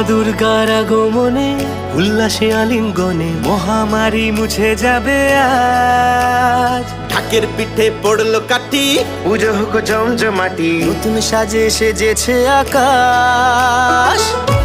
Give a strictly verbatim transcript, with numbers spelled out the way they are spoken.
দুর্গার আগমনে উল্লাসে আলিঙ্গনে মহামারী মুছে যাবে আজ। ঢাকের পিঠে পড়লো কাঠি, পুজো হোক জমজমাটি, নতুন সাজে সেজেছে আকাশ।